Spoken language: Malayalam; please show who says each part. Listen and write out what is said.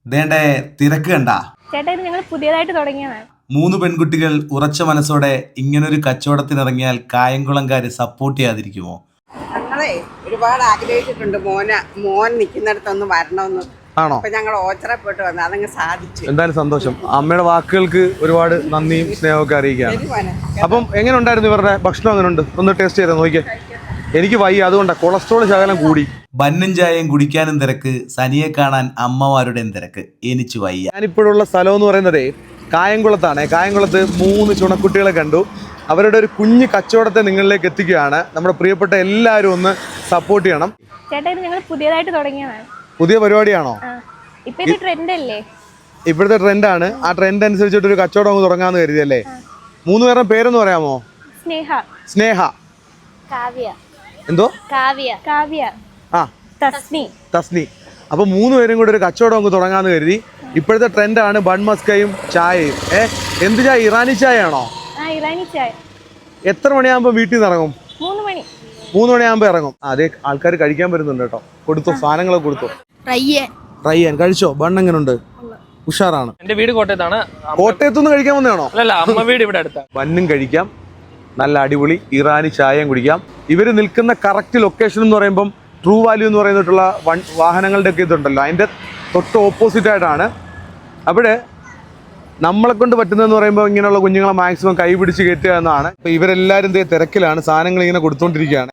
Speaker 1: ദേണ്ടേ തിരക്ക് കണ്ടാ.
Speaker 2: ചേട്ടാ ഇത് ഞങ്ങൾ പുതിയതായിട്ട് തുടങ്ങിയതാണ്.
Speaker 1: 3 പെൺകുട്ടികൾ ഉറച്ച മനസ്സോടെ ഇങ്ങനൊരു കച്ചവടത്തിനിറങ്ങിയാൽ കായംകുളംകാര് സപ്പോർട്ട് ചെയ്യാതിരിക്കുമോ?
Speaker 3: ഞങ്ങളെ ഒരുപാട് ആഗ്രഹിച്ചിട്ടുണ്ട് മോൻ നിൽക്കുന്നിടത്തൊന്ന് വരണമെന്ന്.
Speaker 4: ആണോ?
Speaker 3: അപ്പൊ ഞങ്ങൾ ഓച്ചറപ്പെട്ട് വന്നു, അതങ്ങ് സാധിച്ചു.
Speaker 4: എന്തായാലും സന്തോഷം. അമ്മയുടെ വാക്കുകൾക്ക് ഒരുപാട് നന്ദിയും സ്നേഹമൊക്കെ അറിയിക്കുകയാണ്.
Speaker 3: ശരി മോനെ.
Speaker 4: അപ്പം എങ്ങനെ ഉണ്ടായിരുന്നു ഇവരുടെ ഭക്ഷണം? അങ്ങനെ ഉണ്ട്, ഒന്ന് ടേസ്റ്റ് ചെയ്ത് നോക്കിയേ. എനിക്ക് വയ്യ, അതുകൊണ്ടാണ് കൊളസ്ട്രോൾ ശകലം കൂടി.
Speaker 1: ബന്നും ചായയും കുടിക്കാനും തിരക്ക്, സനിയെ കാണാൻ അമ്മമാരുടെയും തിരക്ക്. എനിച്ചു വയ്യ.
Speaker 4: ഞാനിപ്പോഴുള്ള സ്ഥലം എന്ന് പറയുന്നത് കായംകുളത്താണ്. കായംകുളത്ത് 3 ചുണക്കുട്ടികളെ കണ്ടു. അവരുടെ ഒരു കുഞ്ഞു കച്ചവടത്തെ നിങ്ങളിലേക്ക് എത്തിക്കുകയാണ്. നമ്മുടെ പ്രിയപ്പെട്ട എല്ലാവരും ഒന്ന് സപ്പോർട്ട് ചെയ്യണം.
Speaker 2: ചേട്ടാ ഇത് ഞങ്ങൾ പുതിയതായിട്ട് തുടങ്ങിയതാണ്.
Speaker 4: പുതിയ പരിപാടിയാണോ?
Speaker 2: ഇപ്പൊ ഇത് ട്രെൻഡ് അല്ലേ?
Speaker 4: ഇപ്പോഴത്തെ ട്രെൻഡാണ്. ആ ട്രെൻഡ് അനുസരിച്ചിട്ട് ഒരു കച്ചവടം അങ്ങ് തുടങ്ങാന്ന് കരുതിയല്ലേ? 3 പേരുടെ പേരൊന്ന് പറയാമോ?
Speaker 2: സ്നേഹ,
Speaker 4: സ്നേഹ,
Speaker 2: കാവ്യ,
Speaker 4: എന്തോ
Speaker 2: കാവ്യ,
Speaker 4: ആ
Speaker 2: തസ്നി.
Speaker 4: തസ്നി. അപ്പോൾ 3 പേരും കൂടി ഒരു കച്ചവടം അങ്ങ് തുടങ്ങാന്ന് കരുതി. ഇപ്പോഴത്തെ ട്രെൻഡാണ് ബൺമസ്കയും ചായയും. എന്ത് ചായ? ഇറാനി ചായ ആണോ?
Speaker 2: ഇറാനി ചായ.
Speaker 4: എത്ര മണിയാകുമ്പോൾ വീട്ടിൽ നിന്ന് ഇറങ്ങും?
Speaker 2: 3 മണി.
Speaker 4: 3 മണിയാകുമ്പോൾ ഇറങ്ങും. അതേ ആൾക്കാർ കഴിക്കാൻ വരുന്നുണ്ട് കേട്ടോ. കൊടുത്തു, സാധനങ്ങളൊക്കെ കൊടുത്തു. റയ്യാൻ കഴിച്ചോ? ബണ്ണ് എങ്ങനെയുണ്ട്? ഉഷാറാണ്.
Speaker 5: എന്റെ വീട് കോട്ടയത്താണ്.
Speaker 4: കോട്ടയത്തുനിന്ന് കഴിക്കാൻ വന്നതാണോ?
Speaker 5: അല്ലല്ല, അമ്മ വീട് ഇവിടെ അടുത്താണ്.
Speaker 4: ബന്നും കഴിക്കാം, നല്ല അടിപൊളി ഇറാനി ചായയും കുടിക്കാം. ഇവർ നിൽക്കുന്ന കറക്റ്റ് ലൊക്കേഷൻ എന്ന് പറയുമ്പം ട്രൂ വാല്യൂ എന്ന് പറയുന്നിട്ടുള്ള വാഹനങ്ങളുടെ ഒക്കെ ഇതുണ്ടല്ലോ, അതിൻ്റെ തൊട്ട് ഓപ്പോസിറ്റ് ആയിട്ടാണ്. അവിടെ നമ്മളെ കൊണ്ട് പറ്റുന്നതെന്ന് പറയുമ്പോൾ ഇങ്ങനെയുള്ള കുഞ്ഞുങ്ങളെ മാക്സിമം കൈ പിടിച്ച് കയറ്റുക എന്നാണ്. അപ്പോൾ ഇവരെല്ലാവരും തിരക്കിലാണ്, സാധനങ്ങൾ ഇങ്ങനെ കൊടുത്തുകൊണ്ടിരിക്കുകയാണ്.